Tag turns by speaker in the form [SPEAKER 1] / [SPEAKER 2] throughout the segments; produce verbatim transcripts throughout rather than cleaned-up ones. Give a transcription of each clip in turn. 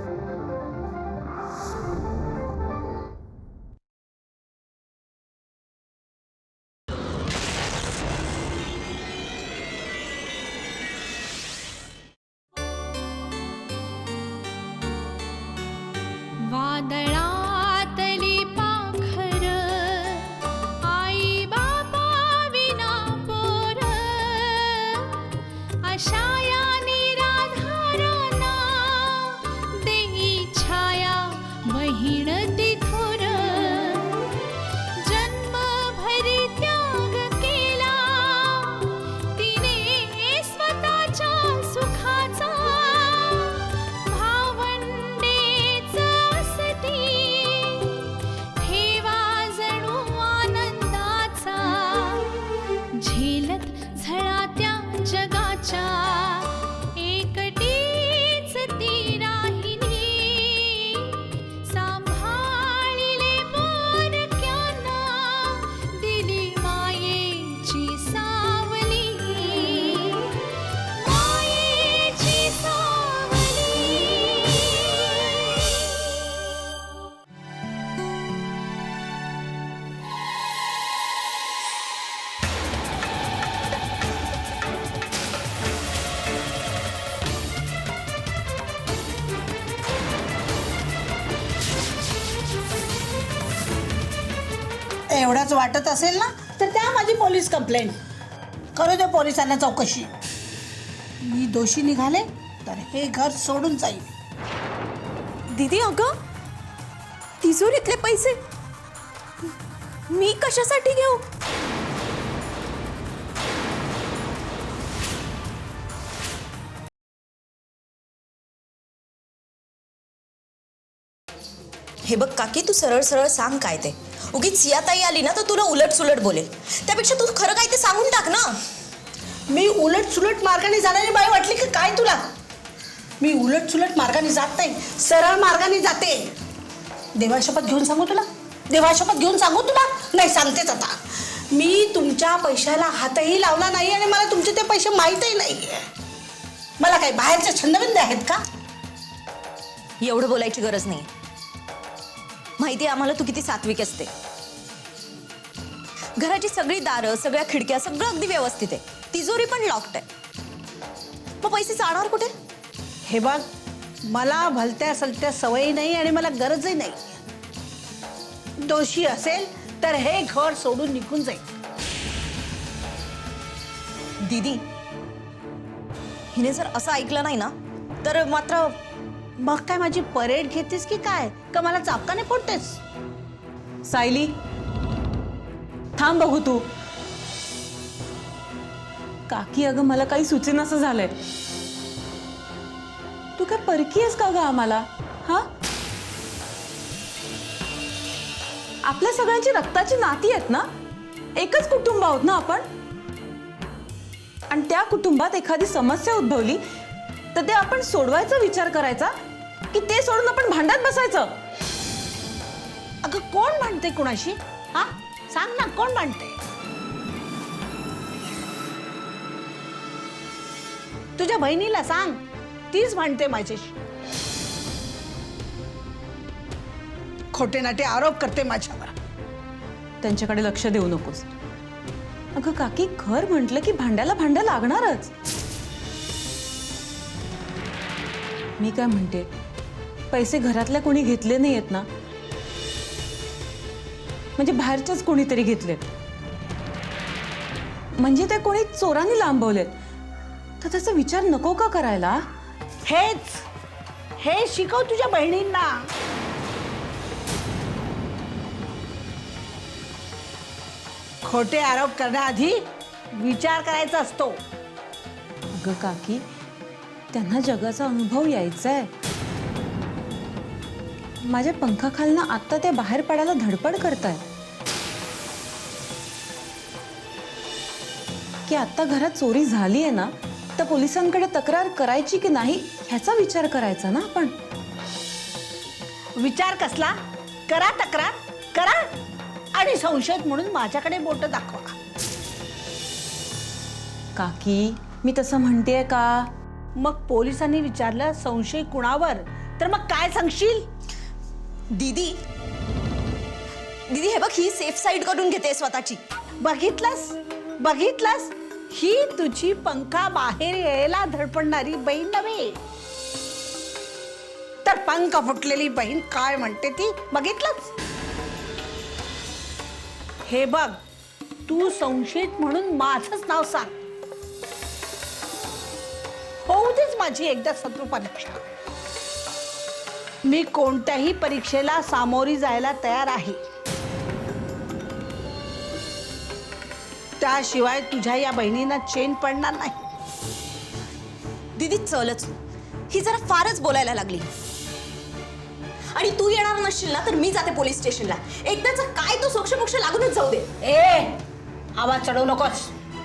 [SPEAKER 1] वादळातली पाखर आई बाबा विना पोर अशा या निराधारांना देई छाया बहीण तिथोर जन्मभरी त्याग केला तिने स्वतःच्या सुखाचा भावंडेच असती ठेवा जणू आनंदाचा झेलत झळा त्या जगाच्या एकटीच ती राहिली सांभाळिले पोरक्यांना दिली मायेची सावली मायेची सावली.
[SPEAKER 2] एवढाच वाटत असेल ना तर त्या माझी पोलीस कंप्लेंट करू दे पोलिसांना चौकशी. मी दोषी निघाले तर हे घर सोडून जाईल.
[SPEAKER 3] दीदी अगं तिजोरीतले पैसे मी कशासाठी घेऊ?
[SPEAKER 4] हे बघ काकी, तू सरळ सरळ सांग काय ते. उगीच सियाताई आली ना तर तुला उलट सुलट बोलेल. त्यापेक्षा तू खरं काय ते सांगून टाक ना.
[SPEAKER 2] मी उलट सुलट मार्गाने जाणारी बाई वाटली की काय तुला? मी उलट सुलट मार्गाने जात नाही, सरळ मार्गाने जाते. देवाशपथ घेऊन सांगू तुला? देवाशपथ घेऊन सांगू तुला? नाही, सांगतेच आता. मी तुमच्या पैशाला हातही लावला नाही आणि मला तुमचे ते पैसे माहीतही नाही. मला काय बाहेरचे छंदबिंद आहेत का?
[SPEAKER 4] एवढं बोलायची गरज नाही. माहिती आहे आम्हाला तू किती सात्विक असते. घराची सगळी दारं, सगळ्या खिडक्या, सगळं अगदी व्यवस्थित आहे. तिजोरी पण लॉक्ड आहे. मग पैसे जाणार कुठे?
[SPEAKER 2] हे बघ, मला भलत्या सलत्या सवयी नाही आणि मला गरजही नाही. दोषी असेल तर हे घर सोडून निघून जाईल.
[SPEAKER 4] दीदी, हिने जर असं ऐकलं नाही ना तर मात्र.
[SPEAKER 2] मग काय माझी परेड घेतेस की काय? का मला चापकाने फोडतेस?
[SPEAKER 3] सायली थांब बघू तू. काकी अगं मला काही सुचेनासं झालंय. तू काय परकी आहेस का ग आम्हाला? हा, आपल्या सगळ्यांची रक्ताची नाती आहेत ना. एकच कुटुंब आहोत ना आपण. आणि त्या कुटुंबात एखादी समस्या उद्भवली तर ते आपण सोडवायचा विचार करायचा की ते सोडून आपण भांडत बसायचं?
[SPEAKER 2] अगं कोण भांडते कुणाशी? हा, सांग ना, कोण भांडते? तुझ्या बहिणीला सांग, तीच भांडते माझ्याशी. खोटे नाटे आरोप करते माझ्यावर.
[SPEAKER 3] त्यांच्याकडे लक्ष देऊ नकोस. अगं काकी, घर म्हटलं की भांड्याला भांडं लागणारच. मी काय म्हणते, पैसे घरातल्या कोणी घेतले नाहीयेत ना? म्हणजे बाहेरच्याच कोणीतरी घेतलेत. म्हणजे ते कोणी चोरांनी लांबवलेत. तर त्याचा विचार नको का करायला?
[SPEAKER 2] हेच हे शिकव तुझ्या बहिणींना. खोटे आरोप करण्याआधी विचार करायचा असतो.
[SPEAKER 3] अगं काकी, त्यांना जगाचा अनुभव यायचा आहे. माझ्या पंखाखालनं आत्ता ते बाहेर पडायला धडपड करतायत की आत्ता घरात चोरी झाली आहे ना तर पोलिसांकडे तक्रार करायची की नाही ह्याचा विचार करायचा ना आपण.
[SPEAKER 2] विचार कसला? करा तक्रार, करा आणि संशयित म्हणून माझ्याकडे बोट दाखवा.
[SPEAKER 3] काकी, मी तसं म्हणतेय का?
[SPEAKER 2] मग पोलिसांनी विचारलं संशय कुणावर तर मग काय सांगशील?
[SPEAKER 4] दीदी दीदी हे बघ, ही सेफ साईड करून घेते स्वतःची.
[SPEAKER 2] बघितलंस बघितलंस ही तुझी पंखा बाहेर यायला धडपडणारी बहीण नव्हे, तर पंख फुटलेली बहीण काय म्हणते ती बघितलंस? हे बघ, तू संशयित म्हणून माझंच नाव सांग. होऊ देच माझी एकदा शत्रू परीक्षा. मी कोणत्याही परीक्षेला सामोरी जायला तयार आहे. त्याशिवाय तुझ्या या बहिणींना चेन पडणार नाही.
[SPEAKER 4] दीदी चलच, ही जरा फारच बोलायला लागली. आणि तू येणार नसशील ना तर मी जाते पोलीस स्टेशनला. एकदाच काय तो सोक्ष मोक्ष लागूनच जाऊ दे.
[SPEAKER 2] ए आवाज चढवू नकोस.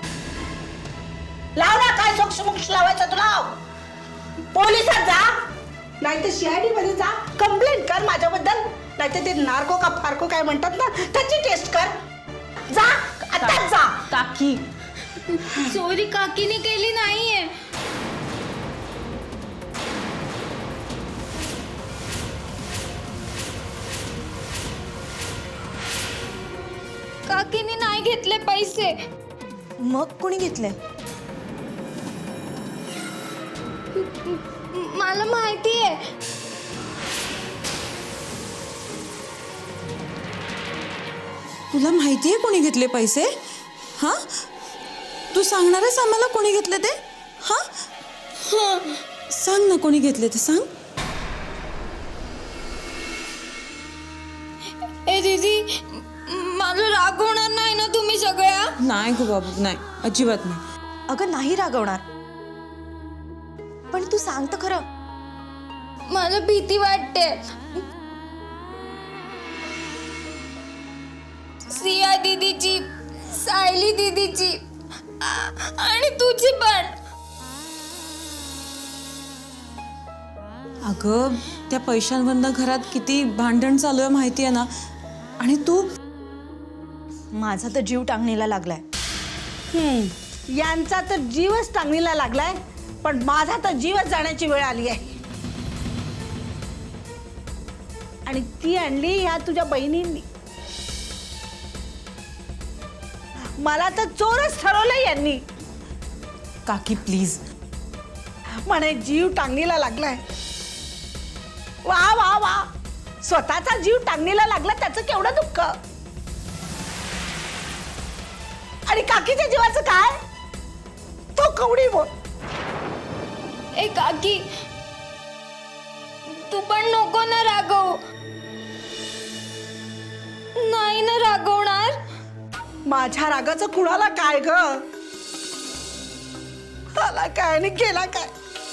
[SPEAKER 2] लाव ना, काय सोक्ष मोक्ष लावायचं तुला. पोलिसात जा, नाही तर सीआयडी मध्ये जा, कंप्लेंट कर माझ्याबद्दल. नाही तर ते नार्को का फार्को काय म्हणतात ना, त्याची टेस्ट कर. जा आताच जा.
[SPEAKER 3] काकी
[SPEAKER 1] चोरी काकीने केली नाहीये. काकीने नाही घेतले पैसे.
[SPEAKER 4] मग कोणी घेतले?
[SPEAKER 1] मला माहिती आहे.
[SPEAKER 3] तुला माहिती आहे कोणी घेतले पैसे? हा, तू सांगणार आहेस आम्हाला कोणी घेतले ते? हा, सांग ना कोणी घेतले ते सांग.
[SPEAKER 1] ए दीदी, मला रागवणार नाही ना तुम्ही सगळ्या?
[SPEAKER 3] नाही गो बाबू, नाही, अजिबात नाही.
[SPEAKER 4] अगं नाही रागवणार, पण तू सांग तर खरं.
[SPEAKER 1] मला भीती वाटते. सिया दीदीची, सायली दीदीची आ- आणि तुझी पण.
[SPEAKER 3] अगं त्या पैशांवरनं घरात किती भांडण चालू आहे माहिती आहे ना. आणि तू,
[SPEAKER 4] माझा तर जीव टांगणीला लागलाय.
[SPEAKER 2] हम्म, यांचा तर जीवच टांगणीला लागलाय, पण माझा तर जीवच जाण्याची वेळ आली आहे. आणि ती आणली ह्या तुझ्या बहिणींनी. मला तर चोरच ठरवलंय यांनी.
[SPEAKER 3] काकी प्लीज.
[SPEAKER 2] म्हणे जीव टांगणीला लागलाय. वा वा वा, स्वतःचा जीव टांगणीला लागला त्याचं केवढं दुःख. आणि काकीच्या जीवाचं काय, तो कवडी बोल.
[SPEAKER 1] ए काकी, तू पण नको ना रागव. नाही ना रागवणार?
[SPEAKER 2] माझ्या रागाचं कुणाला काय ग, मला काय आणि केला काय.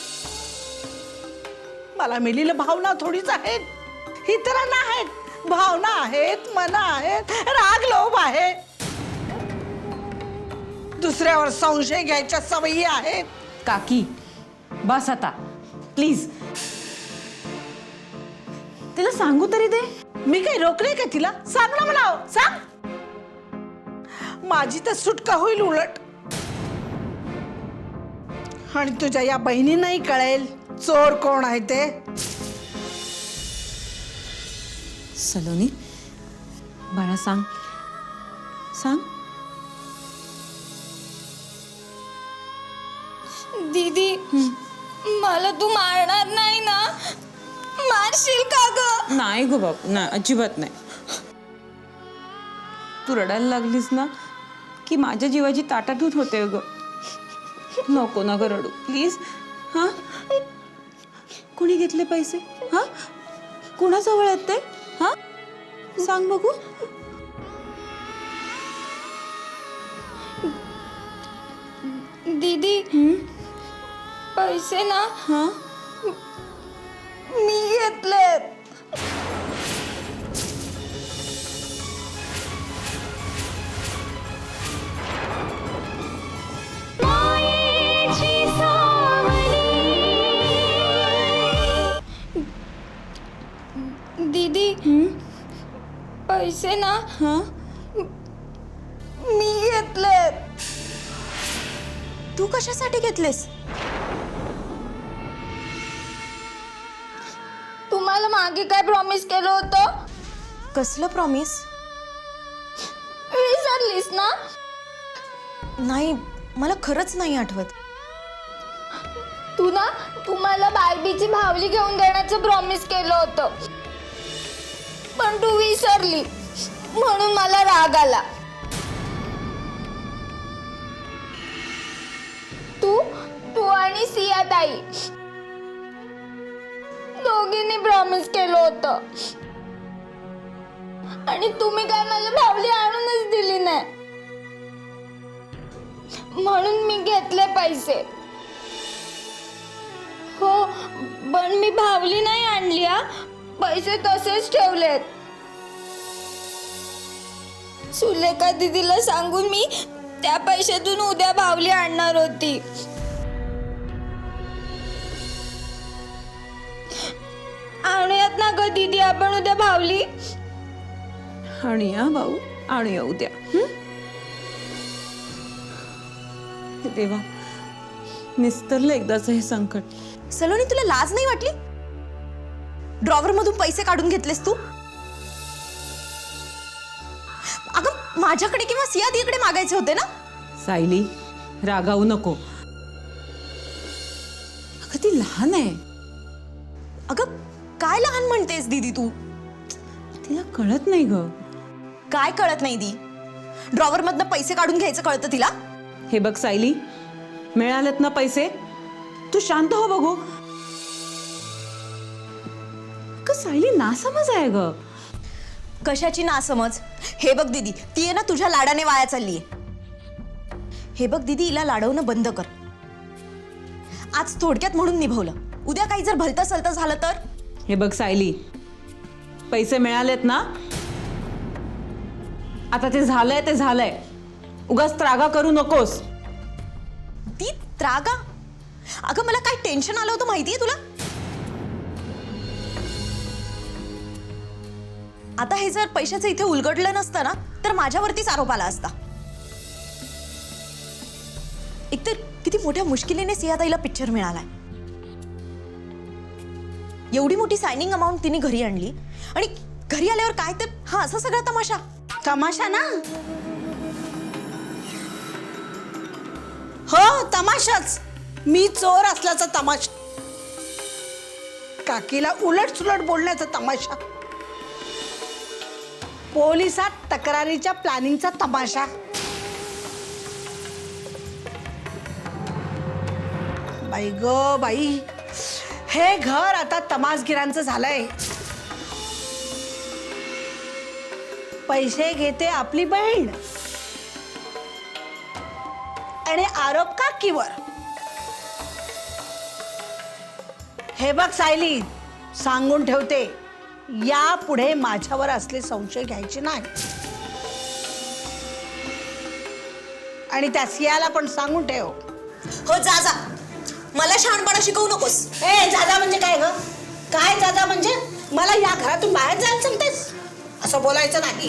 [SPEAKER 2] मला मिलीला भावना थोडीच आहेत, इतरांना आहेत. भावना आहेत, मन आहेत, राग लोभ आहे, दुसऱ्यावर संशय घ्यायच्या सवयी आहेत.
[SPEAKER 3] काकी बस आता प्लीज. तिला सांगू तरी दे.
[SPEAKER 2] मी काही रोखले का तिला? सांग ना मला, सांग. माझी तर सुटका होईल उलट. आणि तुझ्या या बहिणींनाही कळेल चोर कोण आहे ते.
[SPEAKER 3] सलोनी बाळा, सांग सांग.
[SPEAKER 1] दीदी, मला तू मारणार नाही ना? मारशील का ग?
[SPEAKER 3] नाही गो बाबू, नाही, अजिबात नाही. तू रडायला लागलीस ना की माझ्या जीवाची ताटातूट होते ग. नको ना ग रडू प्लीज. हा, कोणी घेतले पैसे? हा, कोणाजवळ आहेत ते? हा, सांग बघू.
[SPEAKER 1] दीदी, पैसे ना
[SPEAKER 3] हा,
[SPEAKER 1] मी घेतलेत. दीदी, पैसे ना
[SPEAKER 3] हा,
[SPEAKER 1] मी घेतलेत.
[SPEAKER 4] तू कशासाठी घेतलेस?
[SPEAKER 1] मला मागे काय प्रॉमिस केलं होतं?
[SPEAKER 4] कसलं प्रॉमिस?
[SPEAKER 1] विसरलीस ना?
[SPEAKER 4] नाही, मला खरंच नाही आठवत.
[SPEAKER 1] तू ना तू मला बार्बीची भावली घेऊन देण्याचं प्रॉमिस केलं होतं, पण तू विसरली म्हणून मला राग आला. तू तू आणि सिया ताई दोघींनी प्रॉमिस केलं होतं आणि तुम्ही काय मला भावली आणूनच दिली नाही, म्हणून मी घेतले पैसे. हो, पण मी भावली नाही आणली हा, पैसे तसेच ठेवलेत. सुलेखा दीदीला सांगून मी त्या पैशातून उद्या भावली आणणार होती. आणूयात ना ग दीदी आपण उद्या भावली?
[SPEAKER 3] आणूया भाऊ, आणूया उद्या. हं? हे देवा, निस्तरलं एकदाच हे संकट.
[SPEAKER 4] सलोनी, तुला लाज नाही वाटली? ड्रॉवर मधून पैसे काढून घेतलेस तू? अगं, माझ्याकडे किंवा सिया दीदीकडे मागायचे होते ना?
[SPEAKER 3] सायली, रागावू नको. अगं ती लहान आहे,
[SPEAKER 4] अगं, काय लहान म्हणतेस दीदी तू?
[SPEAKER 3] तिला कळत नाही ग.
[SPEAKER 4] काय कळत नाही दी? ड्रॉवर मधनं पैसे काढून घ्यायचं कळतं तिला?
[SPEAKER 3] हे बघ सायली, मिळालेत ना पैसे, तू शांत हो बघू. अगं सायली, नासमज आहे ग.
[SPEAKER 4] कशाची नासमज? हे बघ दीदी, ती आहे ना तुझ्या लाडाने वाया चाललीये. हे बघ दीदी, हिला लाडवणं बंद कर. आज थोडक्यात म्हणून निभवलं, उद्या काही जर भलतं सलतं झालं तर?
[SPEAKER 3] हे बघ सायली, पैसे मिळालेत ना, आता ते झालंय ते झालंय. उगाच त्रागा करू नकोस.
[SPEAKER 4] ती त्रागा? अगं, मला काय टेन्शन आलं होतं माहितीये तुला? आता हे जर पैशाचं इथे उलगडलं नसतं ना, तर माझ्यावरतीच आरोप आला असता. एकतर किती मोठ्या मुश्किलीने सियाताईला पिक्चर मिळालाय. एवढी मोठी सायनिंग अमाऊंट तिने घरी आणली आणि घरी आल्यावर काय तर हा असा सगळा तमाशा.
[SPEAKER 2] तमाशा ना? हो, तमाशाच. मी चोर असल्याचा तमाशा, काकीला उलट सुलट बोलण्याचा तमाशा, पोलिसात तक्रारीच्या प्लॅनिंगचा तमाशा. बाई ग बाई, हे घर आता तमासगिरांचं झालंय. पैसे घेते आपली बहीण आणि आरोप काकीवर. हे बघ सायली, सांगून ठेवते, यापुढे माझ्यावर असले संशय घ्यायचे नाही. आणि त्या सियाला पण सांगून ठेव.
[SPEAKER 4] हो, जा जा, मला शहाणपणा शिकवू नकोस.
[SPEAKER 2] ए, जाजा म्हणजे काय ग? काय जाजा म्हणजे? मला या घरातून बाहेर जायला सांगतेस? असं बोलायचं नाही.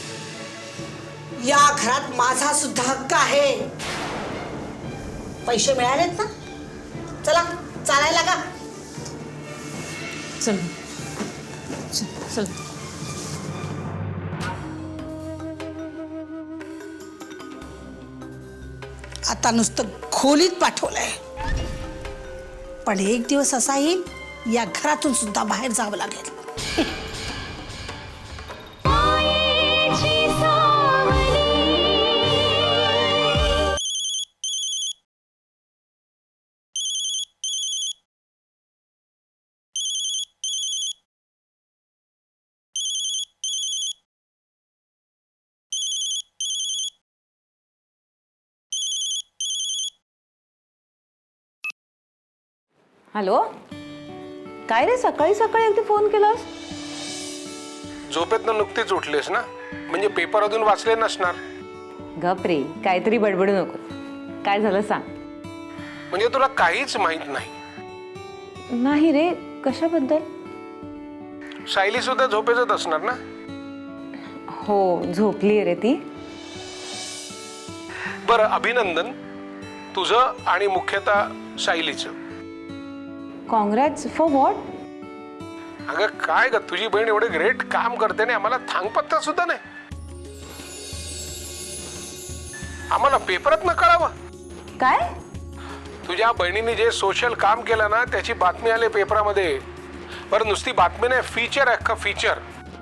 [SPEAKER 2] या घरात माझा सुद्धा हक्क आहे. पैसे मिळालेत ना? चला, चालायला का?
[SPEAKER 3] चल चल चल.
[SPEAKER 2] आता नुसतं खोलीत पाठवलंय, पण एक दिवस असा येईल या घरातून सुद्धा बाहेर जावं लागेल.
[SPEAKER 3] हॅलो, काय रे, सकाळी सकाळी अगदी फोन केलास?
[SPEAKER 5] झोपेतनं नुकतीच उठलीस ना, म्हणजे पेपर अजून वाचले नसणार.
[SPEAKER 3] गप रे, काहीतरी बडबडू नको. काय झालं सांग.
[SPEAKER 5] म्हणजे तुला काहीच माहित नाही?
[SPEAKER 3] नाही रे, कशाबद्दल?
[SPEAKER 5] सायली सुद्धा झोपेतच असणार ना?
[SPEAKER 3] हो, झोपली रे ती.
[SPEAKER 5] बरं, अभिनंदन तुझं आणि मुख्यतः सायलीचं.
[SPEAKER 3] काँग्रॅट्स फॉर व्हॉट?
[SPEAKER 5] अगं काय ग, तुझी बहीण एवढे ग्रेट काम करते आणि आम्हाला थांगपत्ता सुद्धा नाही. आम्हाला पेपरात न कळावं.
[SPEAKER 3] काय?
[SPEAKER 5] तुझ्या बहिणीने जे सोशल काम केलं ना त्याची बातमी आली पेपरामध्ये. बरं नुसती बातमी नाही, फीचर आहे, अख्खं फीचर.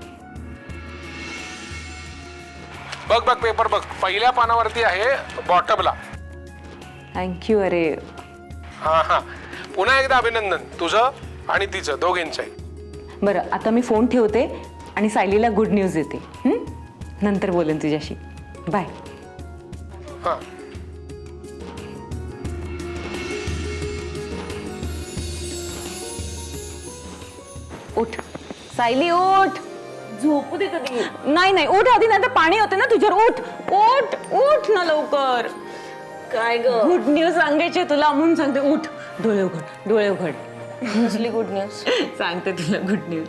[SPEAKER 5] बघ बघ पेपर बघ, पहिल्या पानावरती आहे बॉटमला.
[SPEAKER 3] थँक्यू. अरे
[SPEAKER 5] हा हा, पुन्हा एकदा अभिनंदन तुझं आणि तिचं दोघींचंही.
[SPEAKER 3] बरं, आता मी फोन ठेवते आणि सायलीला गुड न्यूज देते. हं? नंतर बोलेन तुझ्याशी. बाय.
[SPEAKER 5] हा.
[SPEAKER 3] उठ सायली, उठ. झोपू दे कधी. नाही नाही, उठ आधी, नाही तर पाणी होते ना तुझ्यावर. उठ उठ उठ ना लवकर. काय ग, गुड न्यूज सांगायची तुला म्हणून सांगते. उठ, डोळे उघड, डोळे उघड.
[SPEAKER 4] कसली गुड न्यूज?
[SPEAKER 3] सांगते तुला गुड न्यूज.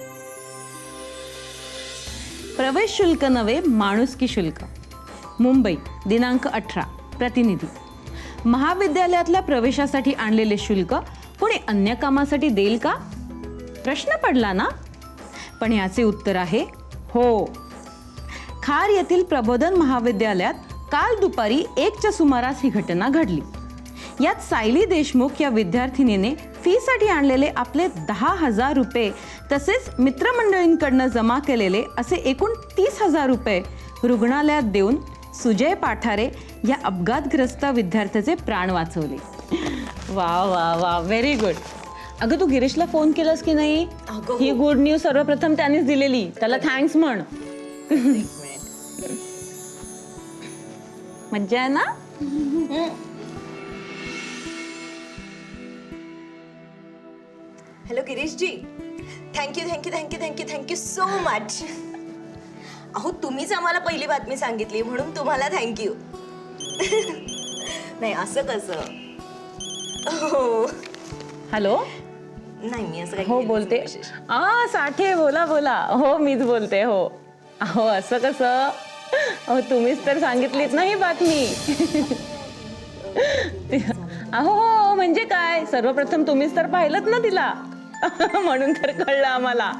[SPEAKER 3] प्रवेश शुल्क नव्हे, माणुसकी शुल्क. मुंबई, दिनांक अठरा. प्रतिनिधी. महाविद्यालयातल्या प्रवेशासाठी आणलेले शुल्क कोणी अन्य कामासाठी देईल का? प्रश्न पडला ना? पण याचे उत्तर आहे हो. खार येथील प्रबोधन महाविद्यालयात काल दुपारी एकच्या सुमारास ही घटना घडली. यात सायली देशमुख या विद्यार्थिनीने फीसाठी आणलेले आपले दहा हजार रुपये तसेच मित्रमंडळींकडनं जमा केलेले असे एकूण तीस हजार रुपये रुग्णालयात देऊन सुजय पाठारे या अपघातग्रस्त विद्यार्थ्याचे प्राण वाचवले. वा वा वा, व्हेरी गुड. अगं तू गिरीशला फोन केलास की नाही? ही गुड न्यूज सर्वप्रथम त्यानेच दिलेली. त्याला थँक्स म्हण. मज्जा आहे ना?
[SPEAKER 4] Hello Girishji, thank you thank you thank you thank you thank you so much. अहो तुम्हीच आम्हाला पहिली बातमी सांगितली म्हणून तुम्हाला थँक्यू. नाही असं कसं. हो
[SPEAKER 3] हॅलो.
[SPEAKER 4] नाही मी असं काही
[SPEAKER 3] हो
[SPEAKER 4] केलंच
[SPEAKER 3] बोलते.
[SPEAKER 4] नाही विशेष.
[SPEAKER 3] आ साठे, बोला बोला. हो मीच बोलते. हो हो, असं कसं? अहो तुम्हीच तर सांगितलीत ना ही बातमी. अहो हो, म्हणजे काय, सर्वप्रथम तुम्हीच तर पाहिलंत ना तिला. म्हणून तर कळलं आम्हाला.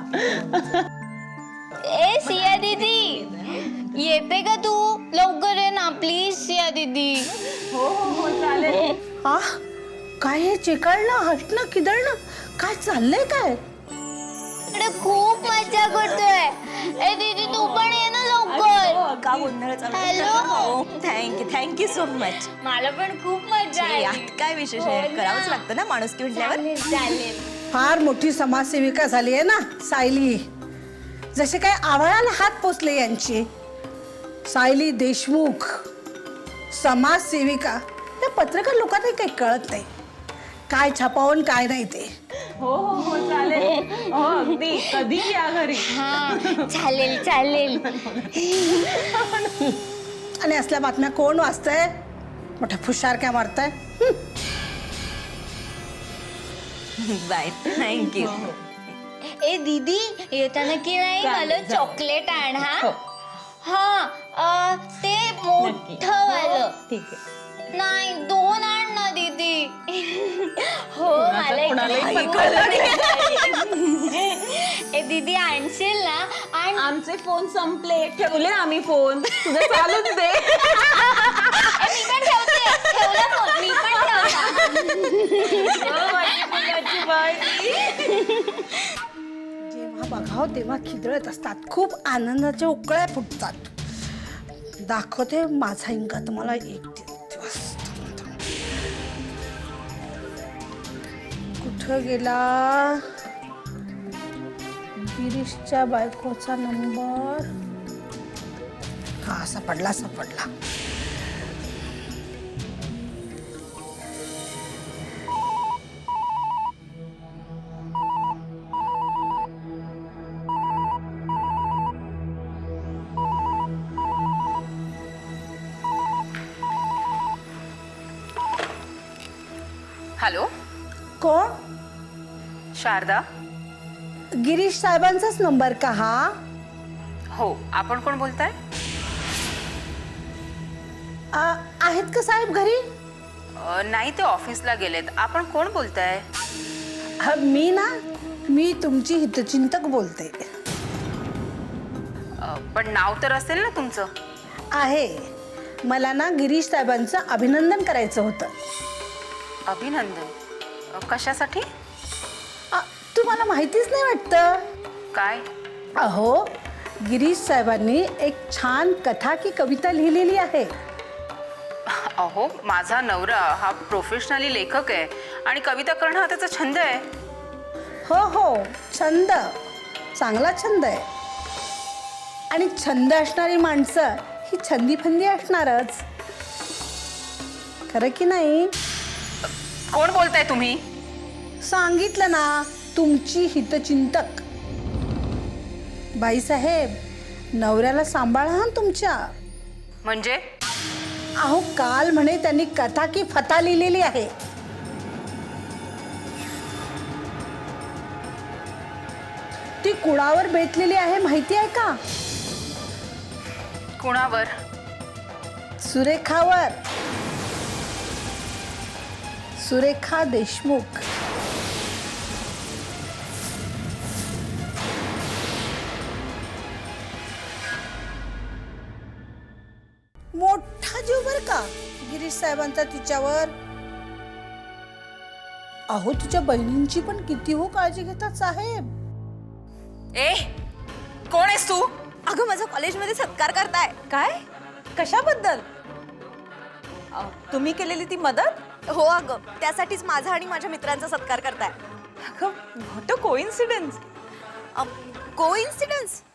[SPEAKER 1] ए सिया दीदी, येते का तू? लवकर ये ना प्लीज सिया दीदी.
[SPEAKER 3] हो हो हो, चालेल.
[SPEAKER 2] हा, काय हे चिकळणं हसणं खिदळणं काय चाललंय काय?
[SPEAKER 1] इकडे खूप मजा करतोय. ए दीदी तू पण ये ना लवकर.
[SPEAKER 4] का गोंधळ चालू?
[SPEAKER 1] Hello.
[SPEAKER 4] Thank you thank you so much.
[SPEAKER 1] मला पण खूप मजा आली.
[SPEAKER 4] यात काय विशेष आहे, करावंच लागतं ना माणुसकी म्हटल्यावर.
[SPEAKER 1] चालेल चालेल.
[SPEAKER 2] फार मोठी समाजसेविका झाली आहे ना सायली. जसे काय आभाळाला हात पोचले यांची. सायली देशमुख समाजसेविका. या पत्रकार लोकांना काही कळत नाही काय छापावून काय नाही ते.
[SPEAKER 3] हो हो हो, चालेल. हो अगदी, कधी या घरी.
[SPEAKER 1] हा चालेल चालेल.
[SPEAKER 2] आणि असल्या बातम्या कोण वाचतंय? मोठा फुशार काय मारताय?
[SPEAKER 4] Bye, thank you.
[SPEAKER 1] ए दीदी येताना की नाही मला चॉकलेट आण. हा हा अ, ते मोठं वालं.
[SPEAKER 3] ठीक आहे.
[SPEAKER 1] नाही दोन आण ना दीदी. हो मला
[SPEAKER 3] कोणालाही
[SPEAKER 1] एक- ए दीदी आणशील ना? आण.
[SPEAKER 3] आमचे फोन संपले, ठेवले आम्ही फोन. तुझं चालूच दे.
[SPEAKER 1] ए, मी पण ठेवते. ठेवला फोन. मी पण
[SPEAKER 2] जेव्हा बघाव तेव्हा खिदळत असतात. खूप आनंदाच्या उकळ्या फुटतात. दाखवते माझा इंगा तुम्हाला एक दिवस. कुठं गेला गिरीशच्या बायकोचा नंबर? हा सापडला सापडला.
[SPEAKER 6] हॅलो,
[SPEAKER 2] कोण?
[SPEAKER 6] शारदा.
[SPEAKER 2] गिरीश साहेबांचाच नंबर का हा?
[SPEAKER 6] हो, आपण कोण बोलताय?
[SPEAKER 2] आ, आहेत का साहेब घरी?
[SPEAKER 6] अ, नाही, ते ऑफिसला गेलेत. आपण कोण बोलताय?
[SPEAKER 2] हा, मी ना मी तुमची हितचिंतक बोलते.
[SPEAKER 6] अ, पण नाव तर असेल ना तुमचं?
[SPEAKER 2] आहे. मला ना गिरीश साहेबांचं अभिनंदन करायचं होतं.
[SPEAKER 6] अभिनंदन? अ, कशासाठी?
[SPEAKER 2] आ, तुम्हाला माहितीच नाही वाटतं?
[SPEAKER 6] काय?
[SPEAKER 2] अहो, गिरीश साहेबांनी एक छान कथा की कविता लिहिलेली आहे.
[SPEAKER 6] अहो, माझा नवरा हा प्रोफेशनली लेखक आहे आणि कविता करणं हा त्याचा छंद आहे.
[SPEAKER 2] हो हो, छंद, चांगला छंद आहे. आणि छंद असणारी माणसं ही छंदीफंदी असणारच, खरं की नाही?
[SPEAKER 6] कोण बोलताय तुम्ही?
[SPEAKER 2] सांगितलं ना, तुमची हितचिंतक. बाईसाहेब, नवऱ्याला सांभाळा हा तुमच्या.
[SPEAKER 6] म्हणजे?
[SPEAKER 2] अहो, काल म्हणे त्यांनी कथा की फता लिहिलेली आहे. ती कुणावर बेतलेली आहे माहिती आहे का?
[SPEAKER 6] कुणावर?
[SPEAKER 2] सुरेखावर. सुरेखा देशमुख. मोठा जीव बर का गिरीश साहेबांचा तिच्यावर. अहो, तुझ्या बहिणींची पण किती हो काळजी घेतात साहेब.
[SPEAKER 6] ए, कोण आहेस तू?
[SPEAKER 4] अगं, माझा कॉलेजमध्ये सत्कार करताय.
[SPEAKER 3] काय? कशाबद्दल? अ, तुम्ही केलेली ती मदत?
[SPEAKER 4] हो अगं, त्यासाठीच माझा आणि माझ्या मित्रांचा सत्कार करताय.
[SPEAKER 3] अगं, व्हॉट अ कोइन्सिडन्स.
[SPEAKER 4] कोइन्सिडन्स?